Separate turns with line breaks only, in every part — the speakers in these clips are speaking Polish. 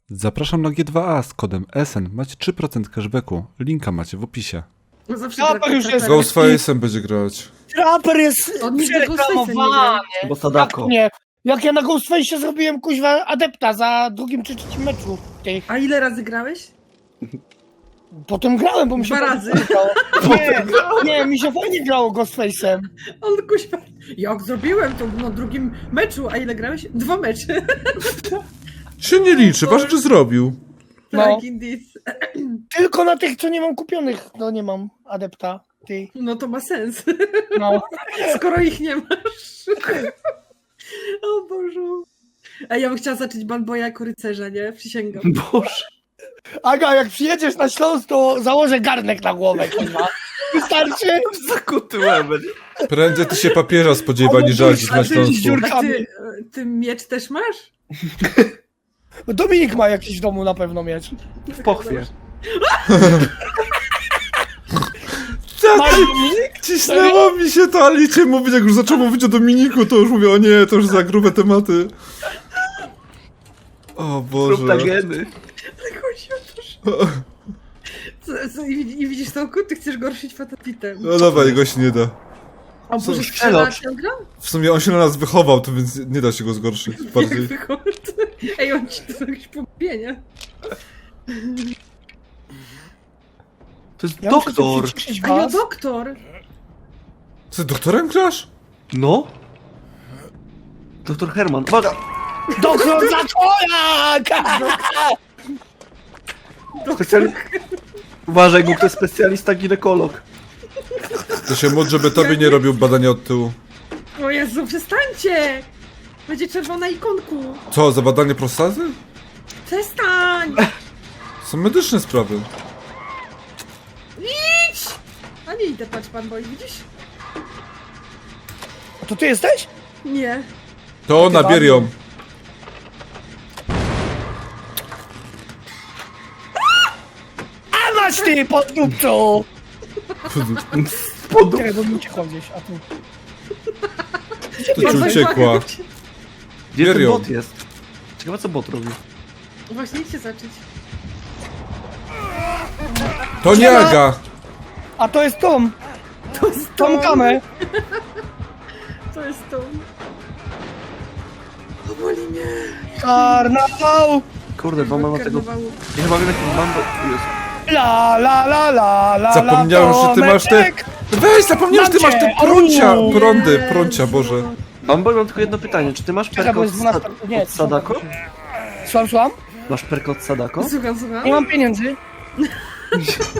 Zapraszam na G2A z kodem SN. Macie 3% cashbacku. Linka macie w opisie.
No zawsze
Trapper już jest.
Ghostface'em będzie grać.
Trapper jest
On nigdy Ghostface'em
przereklamowany.
Bo Sadako.
Nie. Jak ja na Ghostface'ie zrobiłem kuźwa adepta za drugim czy trzecim meczu. Ty.
A ile razy grałeś?
Potem grałem, bo mi się
2 razy.
fajnie grało. Nie, mi się fajnie grało Ghostface'em.
On kuźwa. Jak zrobiłem to na drugim meczu, a ile grałeś? 2 mecze.
Się nie liczy, ważne czy zrobił.
No.
Tak, indeed.
Tylko na tych, co nie mam kupionych, no nie mam adepta. Ty.
No to ma sens.
No.
Skoro ich nie masz. O Bożu. A ja bym chciała zacząć Banboya jako rycerza, nie? Przysięgam.
Boże.
Aga, jak przyjedziesz na Śląsk, to założę garnek na głowę, kurwa. Wystarczy?
Zakuty łebel.
Prędzej ty się papieża spodziewa niż żadzi na Śląsku.
A ty miecz też masz?
Dominik ma jakiś w domu na pewno miecz.
W pochwie.
Masz Dominik?
Cisnęło mi się to, ale licie mówić, jak już zaczął mówić o Dominiku, to już mówię, o nie, to już za grube tematy. O Boże.
Proptageny.
Ale chodzi o to, że... I widzisz to, ty chcesz gorszyć fatapitem.
No dawaj, go się nie da.
O Boże,
Przelot.
strzela ciągle?
W sumie on się na nas wychował, to więc nie da się go zgorszyć bardziej.
Jak wychodzi? Ej, on ci to jakieś pompienie.
To jest
Ja muszę
doktor.
się przyciszyć
A ja
was.
doktor!
Ty doktorem grasz?
No. Doktor Herman. Uwaga.
Doktor Zakojak!
Uważaj, bo to jest specjalista ginekolog.
To się módl, żeby tobie nie robił badania od tyłu.
O Jezu, przestańcie! Będzie czerwona ikonku.
Co, za badanie prostaty?
Przestań!
Są medyczne sprawy.
Idź! A nie idę, patrz pan boi, widzisz?
A to ty jesteś?
Nie.
To nabier ją.
A masz ty, pod dupcą!
Pod...
Czekaj, bo mi uciekła gdzieś, a tu.
To ci uciekła.
Gdzie ten
Serio?
bot jest? Ciekawe co bot robi.
Właśnie idźcie zacząć.
To nie Aga!
A to jest Tom.
To jest
Tom Kamę.
To jest to. O, boli mnie.
Karnawał!
Kurde, bo mam tego...
Karnawału.
Ja chyba wiem jaki mam... Jezu.
La la la la la.
Zapomniałem,
la,
że ty masz te...
Tomeczek.
Weź, zapomniałem, że ty masz te
Macie,
prącia!
au.
Prądy, prącia, Boże.
Mam tylko jedno pytanie. Czy ty masz
Czekaj,
perkę
bo
od,
jest 12. Nie,
od Sadako?
Słucham?
Masz perkę od Sadako?
Słucham, słucham.
Nie mam pieniędzy.
Nie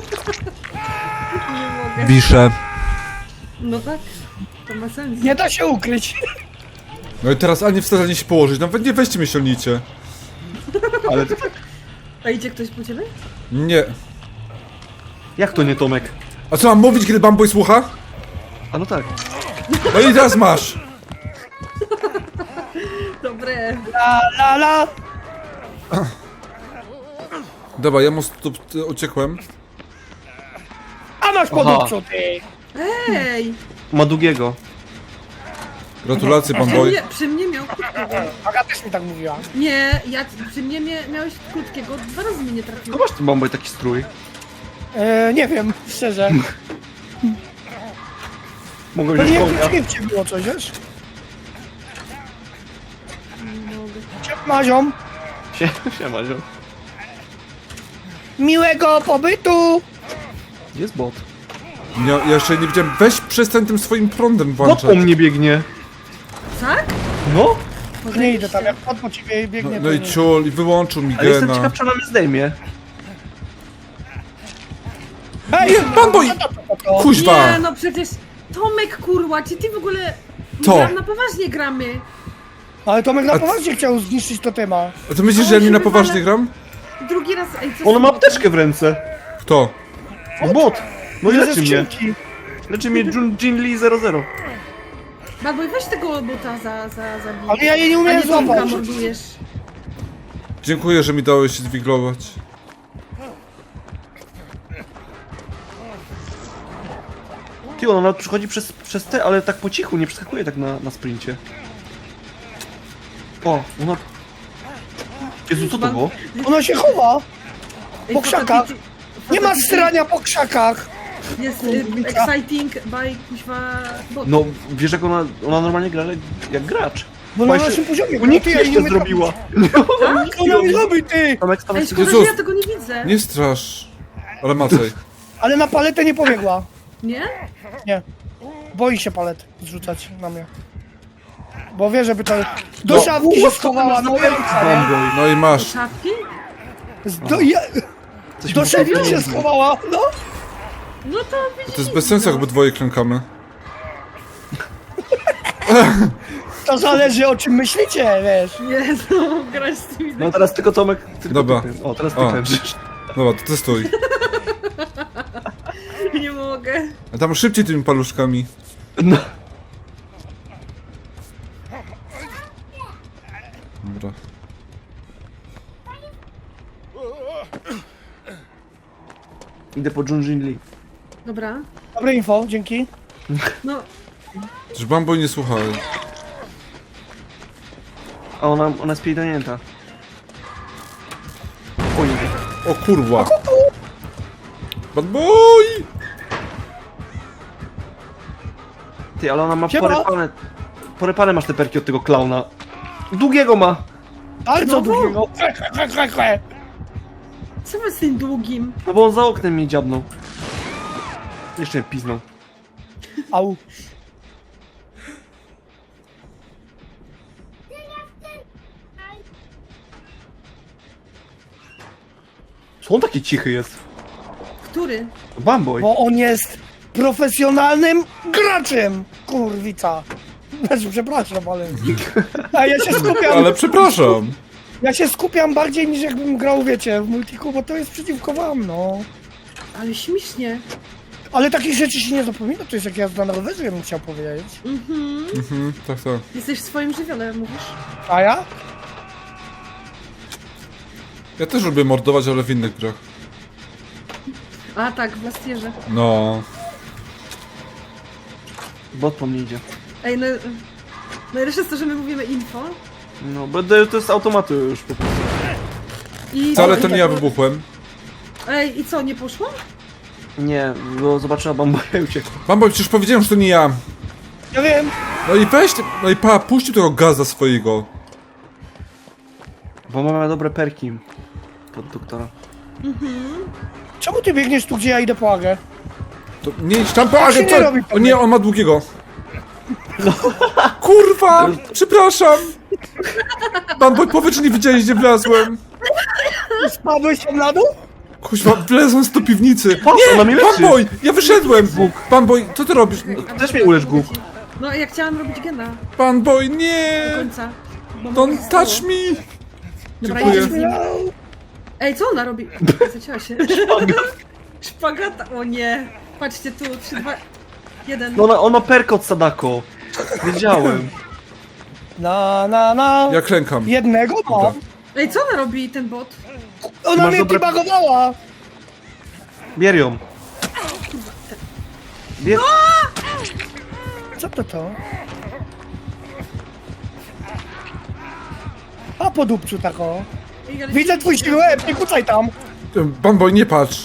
mogę.
Wiszę.
No tak. To ma sens.
Nie da się ukryć.
No i teraz ani wstać, ani się położyć. Nawet nie weźcie mnie silnicie.
Ale...
A idzie ktoś po ciebie?
Nie.
Jak to nie Tomek?
A co mam mówić, kiedy Bamboy słucha?
A no tak.
No i teraz masz.
Dobre.
La la la.
Dobra, ja mu uciekłem.
A masz pod
Aha.
dupcą, ty.
Ej!
Ma długiego.
Gratulacje, Bamboy.
Przy mnie miał krótkiego.
Aga też mi tak mówiła.
Nie, przy mnie miałeś krótkiego. 2 razy mnie nie trafiło.
Tylko masz ten bomboj taki strój.
Nie wiem, szczerze.
Mogę
Pewnie
wziąć
w
konia.
skrypcie było coś, wiesz?
Nie mogę.
Maziom.
Siema, ziom.
Miłego pobytu.
Jest bot.
Ja jeszcze nie widziałem. Weź przestań tym swoim prądem
Bot
włączać.
po mnie biegnie.
Tak?
No.
Nie idę tam, jak pod po ciebie biegnie.
No i
to nie.
ciul, i wyłączył mi
Ale jestem
gena.
ciekaw, czy ona mnie zdejmie.
Ej,
Bamboy! Kuźwa!
Nie, no przecież Tomek, kurwa, czy ty w ogóle...
To.
Na poważnie gramy.
Ale Tomek na
A-
poważnie chciał zniszczyć totema.
A to myślisz, że ja nie na poważnie gram?
Drugi raz... Ej, co
Ona ma apteczkę w ręce.
Kto?
No bot. No i
Ile ze
leczy mnie.
skrzynki.
Leczy mnie Jin Lee 00.
Baboj, weź tego bota za
Ale ja jej nie
A
umiem
nie Tomka
złapać.
mordujesz.
Dziękuję, że mi dałeś się zwiglować.
Ty, ona nawet przychodzi przez te, ale tak po cichu, nie przeskakuje tak na sprincie. O, ona Jezu, co to było?
Ona się chowa.
Ej,
Po krzakach. Nie ma
Fatality
strania po krzakach.
Jest
Kurwica.
exciting by kuźwa bot.
No, wiesz jak ona normalnie gra jak gracz.
Bo na
Właśnie
naszym poziomie.
Unik
ty, ja
jeszcze
nie
zrobiła.
Co ona mi robi, ty?
Tomek, Tomek,
Ej, szkoda, że
Jezus.
ja tego nie widzę.
Nie strasz. Ale Macej.
Ale na paletę nie pobiegła.
Nie?
Nie. Boi się palet zrzucać na mnie. Bo wie, żeby to... Do
No.
szafki się schowała, no ręka, nie?
Fanboy.
No i masz.
Czapki?
Coś
Do
mi
szafki się
powiedział.
schowała, no.
No to widzisz.
To jest bez sensu, jakby dwoje klękamy.
To zależy o czym myślicie, wiesz.
Jezu, grać z tymi...
No teraz tylko Tomek. Tylko
Dobra.
ty. O, teraz ty
O.
klęczysz.
Dobra, to testuj.
Nie mogę.
A tam szybciej tymi paluszkami.
No.
Dobra.
Idę po Junjin Lee.
Dobra.
Dobre info, dzięki.
No,
Że Bambo nie słuchaj.
A ona jest pierdolnięta. Oj,
O kurwa. Bad boy!
ty, ale ona ma
Siema.
porypane. Porypane masz te perki od tego klauna. Długiego ma.
Bardzo
No.
długiego.
co wy z tym długim?
No bo on za oknem mnie dziabnął. Jeszcze mnie piznął.
Au.
Co on taki cichy jest?
Który?
Bamboy.
Bo on jest profesjonalnym graczem. Kurwica. Znaczy, przepraszam, ale... A ja się skupiam...
Ale przepraszam.
Ja się skupiam bardziej niż jakbym grał, wiecie, w multiku, bo to jest przeciwko wam, no.
Ale śmiesznie.
Ale takich rzeczy się nie zapomina, to jest jak jazda na rowerze, bym chciał powiedzieć.
Mhm, tak, tak.
Jesteś w swoim żywiole, mówisz?
A ja?
Ja też lubię mordować, ale w innych grach.
A tak, w Lastierze.
No.
Bot po mnie idzie.
Ej, no... Najlepsze jest to, że my mówimy info.
No, bo to jest automatu już po prostu.
I...
Wcale to nie ja wybuchłem.
Ej, i co, nie poszło?
Nie, bo zobaczyła Bamboya i uciekła.
Bambo, przecież powiedziałem, że to nie ja.
Ja wiem.
No i weź, no i puścił tego gaza swojego.
Bo mamy dobre perki. Pod doktora.
Czemu ty biegniesz tu, gdzie ja idę po Agę?
To nie idź tam,
Tak się nie
co?
robi,
O nie, on ma długiego. Kurwa, przepraszam. Bambo, powiedz, że nie widziałeś, gdzie wlazłem.
Spadłeś się na dół?
Kuźwa, wlezłem do piwnicy.
Patrz, ona mnie leczy.
Bamboj, ja wyszedłem. Bamboj, co ty robisz?
Też mnie ulecz, Guk.
No, ja chciałam robić gena
Bamboj,
do
nie.
końca. Bo
Don't
mogę stało.
touch me.
Dobra,
Dziękuję.
idziesz z nim. Ej, co ona robi? Zacięła się. Szpagata, o nie. Patrzcie tu, 3, 2, 1.
No on ma perkę od Sadako. Wiedziałem.
Na.
Ja klękam.
Jednego
Dobra.
mam.
Ej, co ona robi, ten bot?
Ona
Masz
mnie
dobre-
debugowała.
Bier ją. Bier...
Co to? A po dupciu tako.
Ej, ale
Widzę twój siluet, nie kucaj tam.
Bamboj, nie patrz.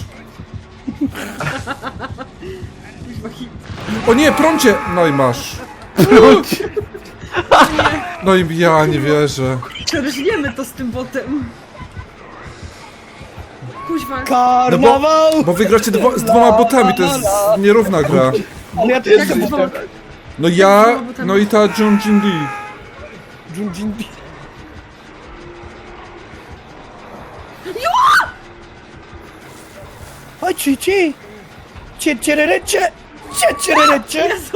Kuźwa, hit.
O nie, prącie! No i masz. No i ja nie wierzę.
Rżniemy to z tym botem. Kuźwa.
Karnawał.
Bo wygracie z dwoma botami, to jest nierówna gra.
Ale ja też
Jak
jestem
z
botem.
dwoma-
No ja, no i ta Junjin Lee.
Jin. Chodź, ci. Ciererecie.
Jezu.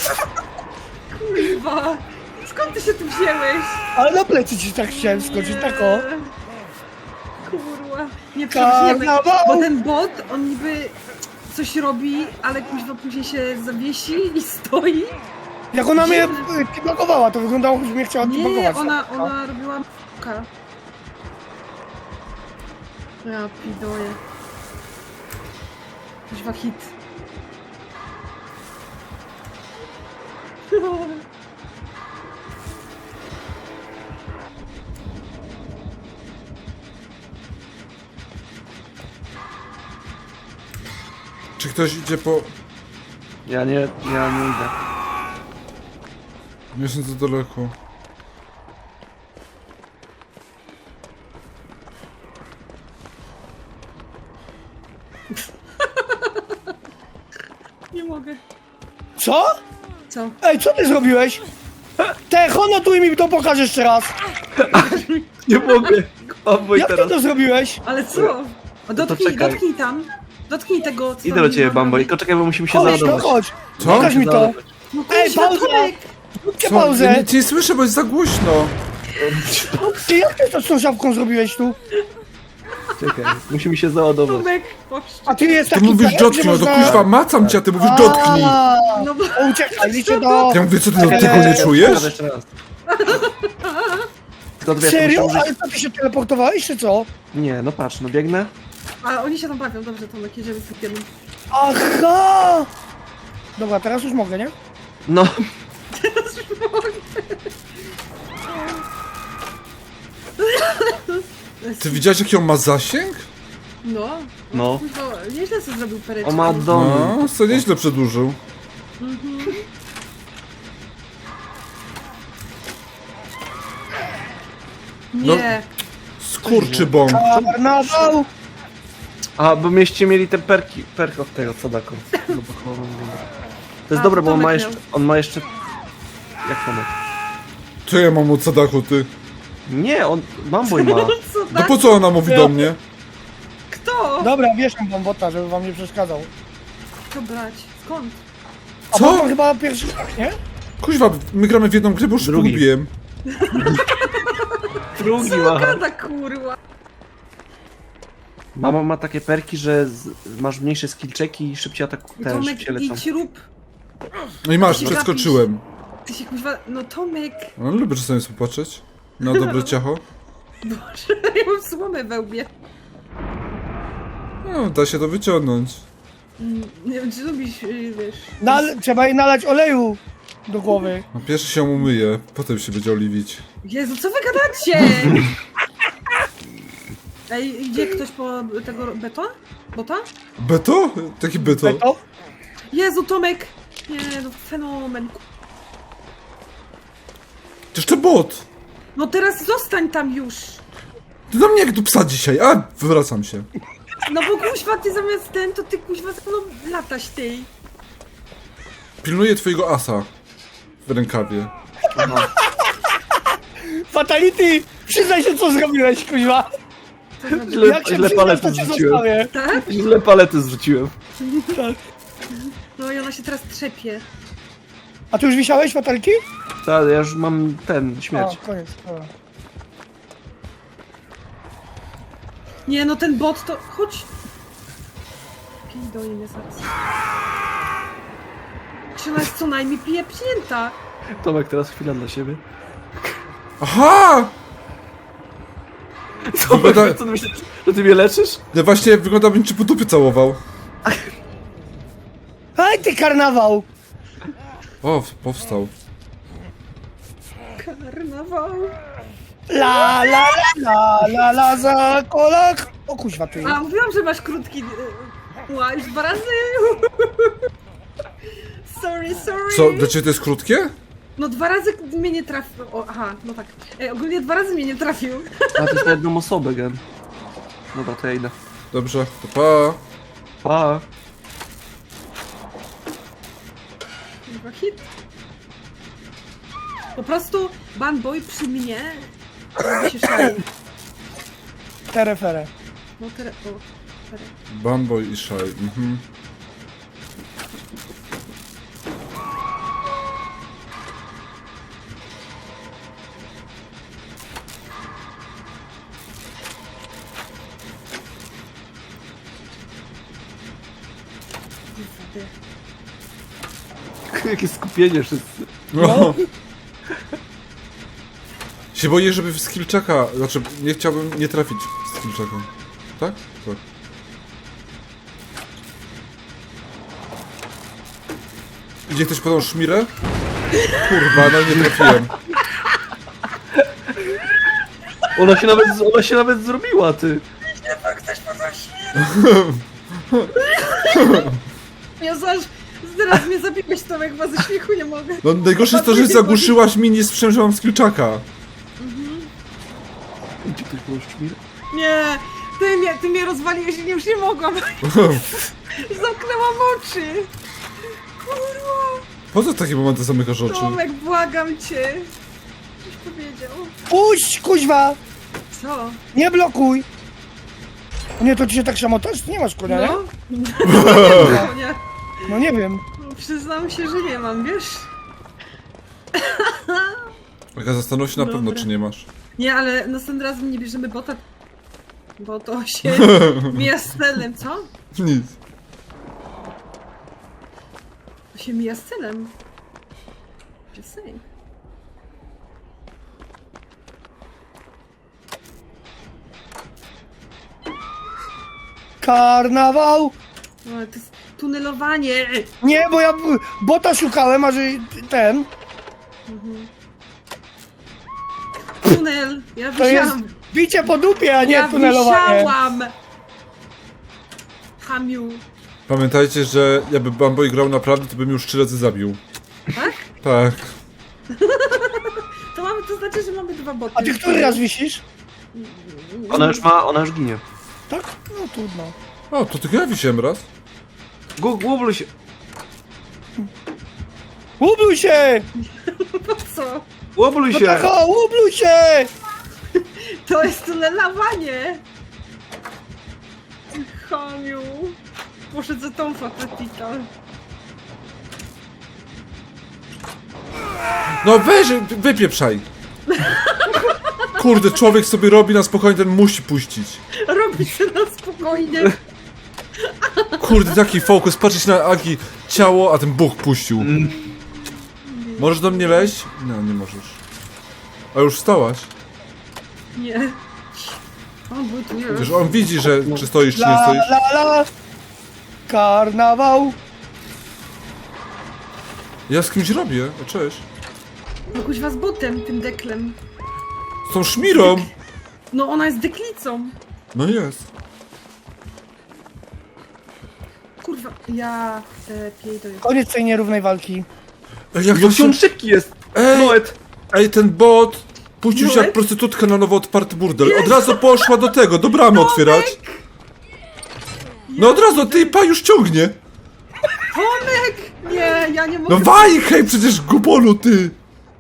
Kuźwa. Skąd ty się tu wzięłeś?
Ale na plecy ci tak chciałem skoczyć, tako.
Kurwa. Nie przeżyjemy.
Karnawał.
Bo ten bot, on niby coś robi, ale kuźwa później się zawiesi i stoi.
Jak ona mnie debugowała, to wyglądało, jakby mnie chciała
Nie,
debugować.
ona robiła m***ka. Ja pidoję. Kuźwa hit.
Czy ktoś idzie po...
Ja nie idę.
Nie jestem za daleko.
Nie mogę.
Co?
Co?
Ej, co ty zrobiłeś? Honotuj mi to, pokaż jeszcze raz.
Nie mogę. Bamboj
Jak ty
teraz.
to zrobiłeś?
Ale co? O, dotknij,
czekaj.
dotknij tam. Dotknij tego, co
Idę
tam
do ciebie,
mam
Bamboj,
robić.
tylko czekaj, bo musimy się
Chodź, no
załadować.
chodź.
Co?
Pokaż mi to.
No
Ej,
kurwa,
pauza.
Tomek!
Zróbcie
Co? Ja
pauzę.
nic nie słyszę, bo jest za głośno.
Ty, jak ty to z tą szafką zrobiłeś tu?
Czekaj, musimy się załadować.
Tomek, poszcz.
A ty jest
Ty
taki
mówisz
pewien,
dotknij,
że
no to
można-
kuźwa, macam cię, a ty mówisz dotknij.
A,
No bo...
to uciekaj, liczę do...
Ja mówię, co ty tego nie czujesz?
Pokażę jeszcze raz. Tylko wiesz,
Serio?
muszę użyć-
Ale co, ty się teleportowałeś, czy co?
Nie, no patrz, no biegnę.
A oni się tam bawią, dobrze Tomek, jedziemy z tym.
Aha! Dobra, teraz już mogę, nie?
No,
Ty widziałeś, jaki on ma zasięg?
No.
No.
Kurwa, nieźle sobie zrobił pereczkę.
on ma dom.
No, co nieźle przedłużył.
Nie.
Skurczy bąk.
Karnawał!
A, bo mieście mieli te perk od tego Sadako. To jest
A,
dobre,
to
bo
Tomek
on ma jeszcze... Jak Tomek?
Co ja mam od Sadaku, ty?
Nie, Bamboj ma.
Co
No
tak?
po co ona mówi do mnie?
Kto?
Dobra, wieszam wam bota, żeby wam nie przeszkadzał.
Co brać? Skąd?
A
Co?
bot chyba pierwszy tak, nie?
Kuźwa, my gramy w jedną grę, bo już
Drugi.
pogubiłem.
Drugi
Co
ma.
gada, kurwa?
Mama ma takie perki, że masz mniejsze skill checki i szybciej
Tomek,
szybciej lecą.
idź rób.
No i masz,
Ty się
przeskoczyłem.
Ty się kuźwa... No Tomek.
No, lubię czasami popatrzeć. Na dobre ciacho.
Boże, ja mam słomę we łbie.
No, da się to wyciągnąć.
Nie wiem, czy lubisz, wiesz...
Trzeba jej nalać oleju do głowy.
No, pierwszy się umyje, potem się będzie oliwić.
Jezu, co wy gadacie? Ej, idzie ktoś po tego Bota?
Beto? Taki beto.
Beto?
Jezu, Tomek! Nie, no fenomen.
Przecież to bot.
No teraz zostań tam już!
Ty do mnie jak do psa dzisiaj, a wywracam się.
No bo kuźwa, ty zamiast ten, to ty kuźwa za mną lataś ty.
Pilnuję twojego asa w rękawie.
Fatality! Przyznaj się, co zrobiłeś, kuźwa! Jak się
Źle
przyznasz,
palety
to cię
zrzuciłem.
zostawię.
Tak?
Źle palety zrzuciłem.
Tak.
No i ona się teraz trzepie.
A ty już wisiałeś, fatalki?
Tak, ja już mam śmierć.
A, koniec. Dobra.
Nie, no ten bot to... Chodź! Pij do niej zaraz. Czy ona jest co najmniej pieprznięta?
Tomek, teraz chwila dla siebie.
Aha!
Tomek,
Wygląda-
co ty myślisz, że ty mnie leczysz?
No właśnie wygląda, jakbym cię po dupie całował.
Aj, ty karnawał!
O, powstał.
Karnawał.
La la la la la za kolak! O kuźwa, ty.
A, mówiłam, że masz krótki... Ła, już 2 razy! Sorry.
Co, dla ciebie to jest krótkie?
No 2 razy mnie nie trafił. O, aha, no tak. Ogólnie 2 razy mnie nie trafił.
A to jest na jedną osobę, gen. Dobra, to ja idę.
Dobrze, to pa.
Pa.
Chyba hit. Po prostu Banboy przy mnie robi się szalej.
Terefere.
No teraz... O, teraz.
Bamboy i Shy, mhm.
Jakie skupienie wszyscy.
No. Się boję, żeby w skillczaka, znaczy nie chciałbym nie trafić w skillczaka. Tak? Tak. Idzie ktoś po tą szmirę? Kurwa, no nie trafiłem.
Ona się nawet zrobiła, ty.
Ja zaraz mnie zabiłeś, Tomek, chyba ze śmiechu nie mogę.
No najgorsze jest to, że zagłuszyłaś mi, nie słyszałem, że mam skillczaka.
Gdzie ktoś był szmir?
Nie, ty mnie rozwaliłeś i już nie mogłam. Zamknęłam oczy. Kurwa.
Po co w takie momenty zamykasz oczy?
Tomek, błagam cię. Coś powiedział.
Puść, kuźwa!
Co?
Nie blokuj! O nie, to ci się tak szamotasz? Nie masz konia,
No?
nie?
No, nie.
No nie wiem.
No, przyznam się, że nie mam, wiesz?
Aga, zastanów się na pewno,
Dobra.
czy nie masz.
Nie, ale następnym razem nie bierzemy bota, bo to się mija z celem, co?
Nic.
To się mija z celem. Just saying.
Karnawał!
No, ale to jest tunelowanie.
Nie, bo ja bota szukałem, a że ten...
Tunel. Ja
To jest
wisiałam.
bicie po dupie, a nie
Ja
tunelowanie.
wisiałam. Hamiu.
Pamiętajcie, że jakby Bamboy grał naprawdę, to bym już 3 razy zabił.
Tak?
Tak.
To znaczy, że mamy 2 boty.
A ty który raz wisisz?
Ona już ginie.
Tak? No trudno.
O, to tylko ja wisiałem raz.
Głobluj się.
Ubluj się!
Po co?
Głobluj
No
się.
tak, o, ubluj się!
To jest tunelowanie. Ty Hamiu. Poszedł za tą fatatita.
No weź, wypieprzaj. Kurde, człowiek sobie robi na spokojnie, ten musi puścić.
Robi się na spokojnie.
Kurde, taki fokus, patrzeć na Agi ciało, a ten Bóg puścił. Możesz do mnie wejść? No, nie możesz. A już wstałaś?
Nie. On był tu nie.
Przecież on widzi, że czy stoisz, czy nie
La
stoisz.
la la! Karnawał!
Ja z kimś robię, o cześć.
No kuźwa z botem, tym deklem.
Z tą szmirą.
No ona jest deklicą.
No jest.
Kurwa, ja piejdę.
Koniec tej nierównej walki.
Ej, jak to
Jak
się...
on szybki jest.
Ej,
Noet.
ej, ten bot puścił się jak
Noet?
prostytutka na nowo otwarty burdel. Od razu poszła do tego, do bramy otwierać. No od razu, ty pa już ciągnie.
Tomek! Nie, ja nie mogę.
No waj, hej, przecież gubolu, ty.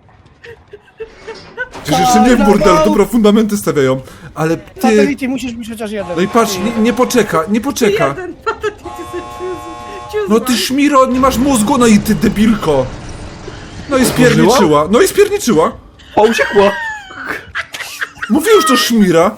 Przecież jeszcze nie w burdel, dobra, fundamenty stawiają. Ale ty...
Fatality, musisz być chociaż jeden.
No i patrz, nie poczeka, nie poczeka.
Jeden fatatity sobie
No ty szmiro, nie masz mózgu, no i ty debilko. No i spierniczyła, no i spierniczyła.
O, uciekła.
Mówię już to szmira.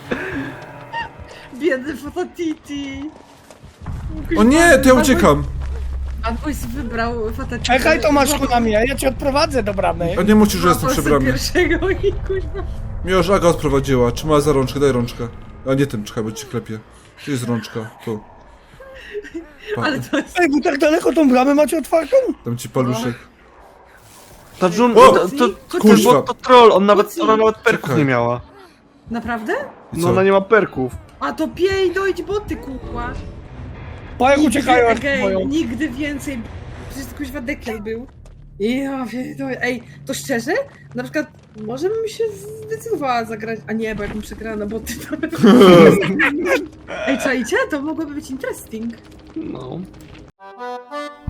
Biedny fatatity.
O nie, to ja uciekam.
Bad Boys wybrał fatatity.
Czekaj, Tomaszku, na mnie, ja cię odprowadzę do bramy.
A nie musisz, że jestem przy bramie.
pierwszego i kuźwa.
Mnie już Aga odprowadziła, trzymała za rączkę, daj rączkę. A nie tym, czekaj, bo ci klepie. Tu jest rączka, tu. Pa,
Ale to jest...
Ej, wy tak daleko tą bramę macie otwartą?
dam ci paluszek.
Ta Jun,
O!
to troll, ona nawet perków
Czekaj.
nie miała.
Naprawdę?
I
No
co?
ona nie ma perków.
A to piej, dojdź boty, kurwa.
Bo jak uciekają, jak
Okej,
boją.
nigdy więcej. Przecież to kuźwa dekel był. Ja pierdolę. Ej, to szczerze? Na przykład, może bym się zdecydowała zagrać. A nie, bo jakbym przegrała na boty, to... Ej, czajcie? To mogłoby być interesting.
No.